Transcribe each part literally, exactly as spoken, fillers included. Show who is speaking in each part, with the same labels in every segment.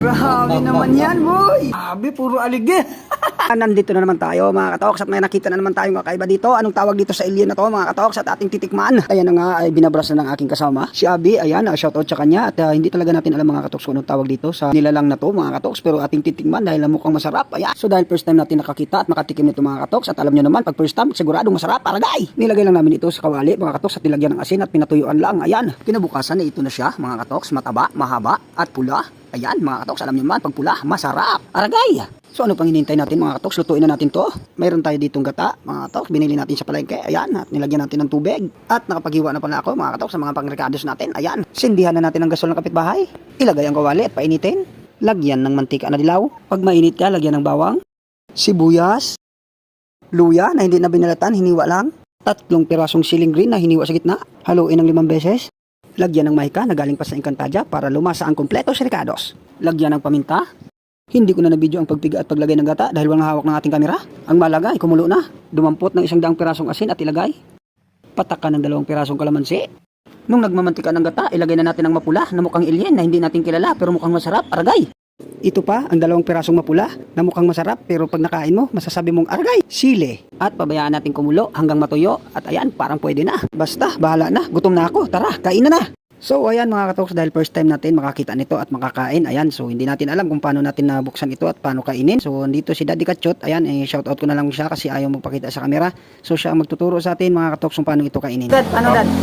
Speaker 1: Grabe naman yan, boy! Grabe, puro aligi! Nandito na naman tayo, mga katoks, at may nakita na naman tayong kakaiba dito. Anong tawag dito sa alien na to, mga katoks, at ating titikman? Ayan na nga, ay binabras na ng aking kasama, si Abi. Ayan, uh, shoutout sa kanya. At uh, hindi talaga natin alam, mga katoks, kung anong tawag dito sa nilalang na to, mga katoks, pero ating titikman dahil mukhang masarap. Ayan. So dahil first time natin nakakita at makatikim nito, mga katoks, at alam nyo naman, pag first time, siguradong masarap, aragay! Nilagay lang namin ito sa kawali, mga katoks, at nilagyan ng asin at pinatuyuan lang. Ayan, kinabukasan na ito na siya, mga katoks, mataba, mahaba, at pula. Ayan, mga katoks, alam nyo naman, pag pula, masarap, aragay! So ano pang hinihintay natin, mga katoks? Lutuin na natin to. Mayroon tayo ditong gata, mga katoks. Binili natin sa palengke. Ayan, at nilagyan natin ng tubig. At nakapaghiwa na pala ako, mga katoks, sa mga pangrecados natin. Ayan, sindihan na natin ang gasol ng kapitbahay. Ilagay ang kawali at painitin. Lagyan ng mantika na dilaw. Pag mainit ka, lagyan ng bawang, sibuyas, luya na hindi na binalatan, hiniwa lang. Tatlong pirasong siling green na hiniwa sa gitna. Haluin ng limang beses. Lagyan ng mahika na galing pa sa Encantadia para lumasa ang kompleto sa recados. Lagyan ng paminta. Hindi ko na nabidyo ang pagpiga at paglagay ng gata dahil walang hawak ng ating kamera. Ang malaga ay kumulo na. Dumampot ng isang daang pirasong asin at ilagay. Patakan ng dalawang pirasong kalamansi. Nung nagmamantika ng gata, ilagay na natin ang mapula na mukhang alien na hindi natin kilala pero mukhang masarap. Aragay! Ito pa ang dalawang pirasong mapula na mukhang masarap pero pag nakain mo, masasabi mong aragay! Sili! At pabayaan natin kumulo hanggang matuyo at ayan, parang pwede na. Basta, bahala na. Gutom na ako. Tara, kain na na! So ayan, mga katoks, dahil first time natin makakita nito at makakain, ayan, so hindi natin alam kung paano natin nabuksan ito at paano kainin. So dito si Daddy Kachot, ayan, eh, shoutout ko na lang siya kasi ayaw magpakita sa camera. So siya ang magtuturo sa atin, mga katoks, kung paano ito kainin. Dad, paano Dad?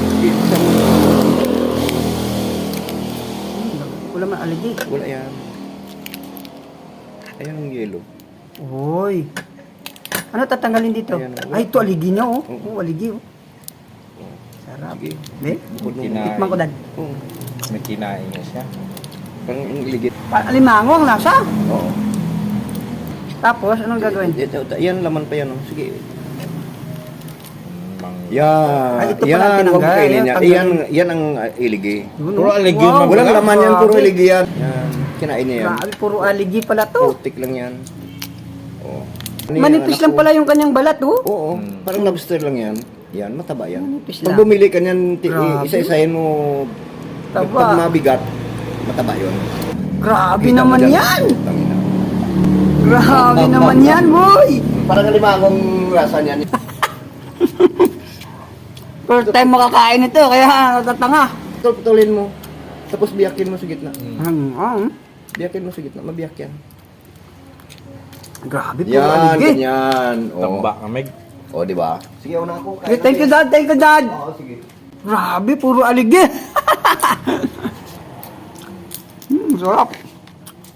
Speaker 1: Wala man aligi.
Speaker 2: Wala yan. Ayan ang yellow.
Speaker 1: Uy. Ano tatanggalin dito?
Speaker 2: Ayan,
Speaker 1: ay, ito aligi niya, oh.
Speaker 2: Oo.
Speaker 1: Oh, aligi, oh. Sarap.
Speaker 2: Sige.
Speaker 1: Be?
Speaker 2: Bukod nung
Speaker 3: Kinain.
Speaker 1: Tikman ko, Dad.
Speaker 2: Oo.
Speaker 3: May kinain niya siya.
Speaker 2: Parang ang iligit.
Speaker 1: Pa- Alimango ang lasa.
Speaker 2: Oo.
Speaker 1: Tapos, anong gagawin?
Speaker 2: Ito, ito, yan, laman pa yan. Oh. Sige.
Speaker 3: Mang...
Speaker 2: Yan.
Speaker 1: Ay, ito pala
Speaker 2: yan,
Speaker 1: tinanggal.
Speaker 2: huwag kainin yan.
Speaker 1: Yan,
Speaker 2: Yan, yan ang uh, iligi.
Speaker 3: Puro aligi
Speaker 1: Wow.
Speaker 3: man.
Speaker 2: Walang laman yan, puro
Speaker 1: grabe.
Speaker 2: iligi yan. Yan. Kinain niya yan.
Speaker 1: Grabe, puro aligi pala to.
Speaker 2: Putik lang yan. Oo. Ano yan,
Speaker 1: Manipis
Speaker 2: anak
Speaker 1: lang
Speaker 2: ko?
Speaker 1: pala yung kanyang balat, oh.
Speaker 2: Oo.
Speaker 3: Hmm.
Speaker 2: Parang lobster lang yan. Yan, mataba yan.
Speaker 1: Manipis
Speaker 2: Pag
Speaker 1: lang.
Speaker 2: bumili ka niyan, ti-
Speaker 1: Grabe.
Speaker 2: isa-isahin mo.
Speaker 1: Taba.
Speaker 2: Pag mabigat, mataba yun.
Speaker 1: Grabe
Speaker 2: Kita mo
Speaker 1: naman
Speaker 2: dyan.
Speaker 1: yan.
Speaker 2: Tangina.
Speaker 1: Grabe naman yan, boy.
Speaker 2: Parang alimangong rasa niyan.
Speaker 1: First time makakain ito, kaya natatanga.
Speaker 2: Putulin mo. Tapos biyakin mo sa gitna.
Speaker 1: Hmm. ah,
Speaker 2: Biyakin mo sa gitna, mabiyak yan.
Speaker 1: Grabe, puro
Speaker 2: Yan,
Speaker 1: aligi.
Speaker 2: ganyan. O,
Speaker 3: Tamba kamig.
Speaker 2: o di ba? Sige, una ako.
Speaker 1: Okay, thank you, Dad. Thank you, Dad.
Speaker 2: Oo, sige.
Speaker 1: Grabe, puro aligi. Hmm, sarap.